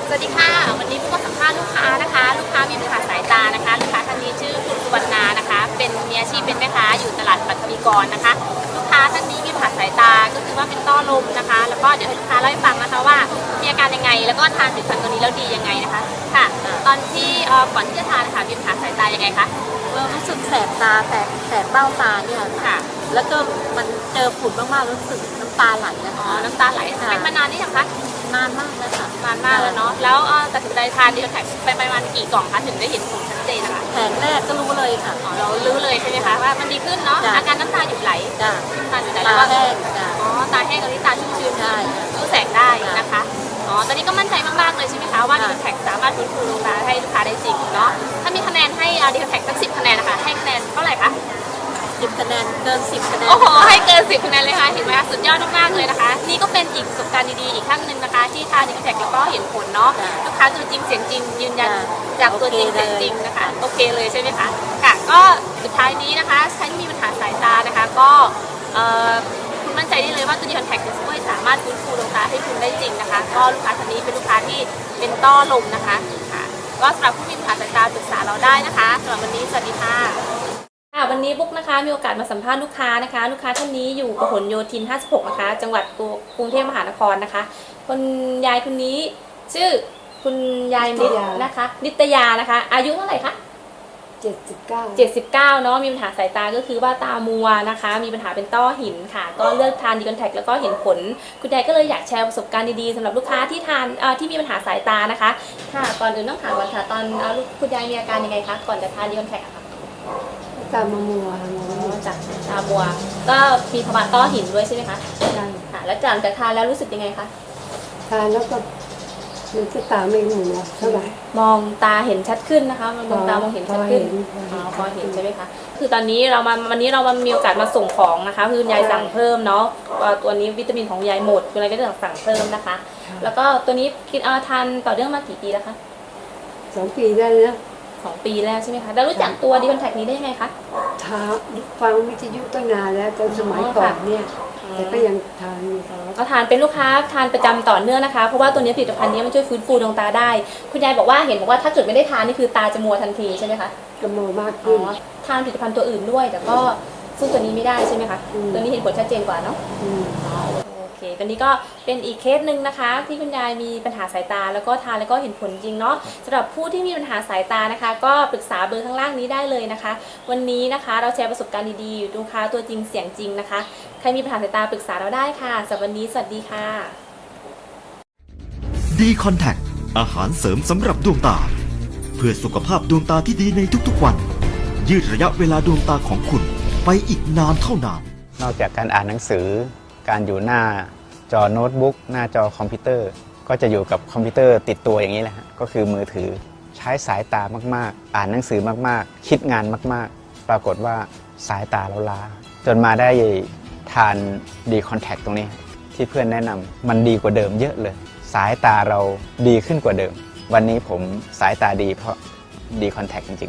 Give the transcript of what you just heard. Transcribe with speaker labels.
Speaker 1: สวัสดีค่ะวันนี้ผู้มาสัมภาษณ์ลูกค้านะคะลูกค้ามีปัญหาสายตานะคะลูกค้าท่านนี้ชื่อคุณสุวรรณานะคะเป็นมีอาชีพเป็นแม่ค้าอยู่ตลาดปัตตวีกรนะคะลูกค้าท่านนี้มีปัญหาสายตาก็คือว่าเป็นต้อลมนะคะแล้วก็เดี๋ยวให้ลูกค้าเล่าให้ฟังนะคะว่ามีอาการยังไงแล้วก็ทานผลิตภัณฑ์ตัวนี้แล้วดียังไงนะคะค่ะตอนที่ก่อนที่จะทานนะคะมีปัญหาสายตายังไงคะ
Speaker 2: รู้สึกแสบตาแสบเบ้าตาเนี่ยค่ะแล้วก็มันเจอฝุ่นมากๆรู้สึกน้ำตาไหลนะคะ
Speaker 1: น้ำตาไหลเป็นมานานนี่ยังคะ
Speaker 2: นานมากเลยค่ะ
Speaker 1: นานมากแล้วเนาะแล้วตัดสินใจทานดีคอนแทคไปประมาณกี่กล่องคะถึงได้เห็นผลชัดเจนนะคะ
Speaker 2: แผงแรกก็รู้เลยค่ะ
Speaker 1: เรารู้เลยใช่ไหมคะว่ามันดีขึ้นเนาะอาการน้ำตาหยุดไหลน้ำตาหยุดไหลแล้วก็
Speaker 2: ตาแห้ง
Speaker 1: ตาแห้งตอนนี้ตาชุ่มชื้นรู้แสงได้นะคะตอนนี้ก็มั่นใจมากๆเลยใช่ไหมคะว่าดีคอนแทคสามารถฟื้นฟูดวงตาให้ลูกค้าได้จริงเนาะถ้ามีคะแนนให้ดีคอนแทคสัก10 คะแนนนะคะให้คะแนนเท่าไหร่คะ
Speaker 2: 10 คะแนนเกิน10 คะแนน
Speaker 1: โอ้โหให้เกิน10 คะแนนเลยค่ะเห็นไหมคะสุดยอดมากๆเลยนะคะนี่ก็เป็นอีกประสบการณ์ดีๆอีกครั้งหนึ่งนะคะที่ทานดีคอนแทคแล้วก็เห็นผลเนาะลูกค้าตัวจริงเสียงจริงยืนยันจากตัวจริงเสียงจริงนะคะโอเคเลยใช่ไหมคะค่ะก็สุดท้ายนี้นะคะใครที่มีปัญหาสายตานะคะก็คุณมั่นใจได้เลยว่าตัวดีคอนแทคจะช่วยสามารถฟื้นฟูดวงตาให้คุณได้จริงนะคะก็ลูกค้าท่านนี้เป็นลูกค้าที่เป็นต้อลมนะคะค่ะก็สำหรับผู้มีปัญหาสายตาปรึกษาเราได้นะคะสำหรับวันนี้สวัสดีค่ะวันนี้บุ๊กนะคะมีโอกาสมาสัมภาษณ์ลูกค้านะคะลูกค้าท่านนี้อยู่พหลโยธิน 56 นะคะจังหวัดกรุงเทพมหานครนะคะคุณยายคนนี้ชื่อคุณยายนิดนะคะนิตยานะคะอายุเท่าไหร่คะ79เนาะมีปัญหาสายตาก็คือว่าตามัวนะคะมีปัญหาเป็นต้อหินค่ะก็เลือกทานดีคอนแทคแล้วก็เห็นผลคุณยายก็เลยอยากแชร์ประสบการณ์ดีๆสำหรับลูกค้าที่ทานที่มีปัญหาสายตานะคะค่ะก่อนอื่นต้องถามก่อนค่ะตอนคุณยายมีอาการยังไงคะก่อนจะทานดีคอนแทคค่ะ
Speaker 2: ตามัว
Speaker 1: จากตามัวก็มีภาวะต้อหินด้วยใช่ไหมคะใช่ค่ะแล้วหลังจากทานแล้วรู้สึกยังไงคะ
Speaker 2: ทานแล้วก็มันจะตาไม่มัวเท่าไหร่
Speaker 1: มองตาเห็นชัดขึ้นนะคะมองตามองเห็นชัดขึ้นพอเห็นใช่ไหมคะคือตอนนี้วันนี้เรามามีโอกาสมาส่งของนะคะคือคุณยายสั่งเพิ่มเนาะตัวนี้วิตามินของยายหมดคุณยายก็จะสั่งเพิ่มนะคะแล้วก็ตัวนี้กินทานต่อเนื่องมากี่ปีแล้วคะ
Speaker 2: 2 ปีได้แล้ว
Speaker 1: 2 ปีแล้วใช่ไหมคะแล้วรู้จักตัวดีคอนแทคนี้ได้ยังไงคะ
Speaker 2: ฟังวิทยุตั้งนานแล้วตอนสมัยก่อนเนี่ยแต่ก็ยังทานอยู่
Speaker 1: ก็ทานเป็นลูกค้าทานประจำต่อเนื่องนะคะเพราะว่าตัวนี้ผลิตภัณฑ์นี้มันช่วยฟื้นฟูดวงตาได้คุณยายบอกว่าถ้าเกิดไม่ได้ทานนี่คือตาจะมัวทันทีใช่ไหมคะ
Speaker 2: จะมัวมากขึ้น
Speaker 1: ทานผลิตภัณฑ์ตัวอื่นด้วยแต่ก็สู้ตัวนี้ไม่ได้ใช่ไหมคะตัวนี้เห็นผลชัดเจนกว่าเนาะโอเคตอนนี้ก็เป็นอีกเคสหนึ่งนะคะที่คุณยายมีปัญหาสายตาแล้วก็ทานแล้วก็เห็นผลจริงเนาะสำหรับผู้ที่มีปัญหาสายตานะคะก็ปรึกษาเบอร์ข้างล่างนี้ได้เลยนะคะวันนี้นะคะเราแชร์ประสบการณ์ดีๆลูกค้าตัวจริงเสียงจริงนะคะใครมีปัญหาสายตาปรึกษาเราได้ค่ะสำหรับวันนี้สวัสดีค่ะ
Speaker 3: ดีคอนแทคอาหารเสริมสำหรับดวงตาเพื่อสุขภาพดวงตาที่ดีในทุกๆวันยืดระยะเวลาดวงตาของคุณไปอีกนานเท่านาน
Speaker 4: นอกจากการอ่านหนังสือการอยู่หน้าจอโน้ตบุ๊กหน้าจอคอมพิวเตอร์ก็จะอยู่กับคอมพิวเตอร์ติดตัวอย่างนี้แหละฮะก็คือมือถือใช้สายตามากๆอ่านหนังสือมากๆคิดงานมากๆปรากฏว่าสายตาเราล้าจนมาได้ทานดีคอนแทคตรงนี้ที่เพื่อนแนะนำมันดีกว่าเดิมเยอะเลยสายตาเราดีขึ้นกว่าเดิมวันนี้ผมสายตาดีเพราะดีคอนแทคจริงๆ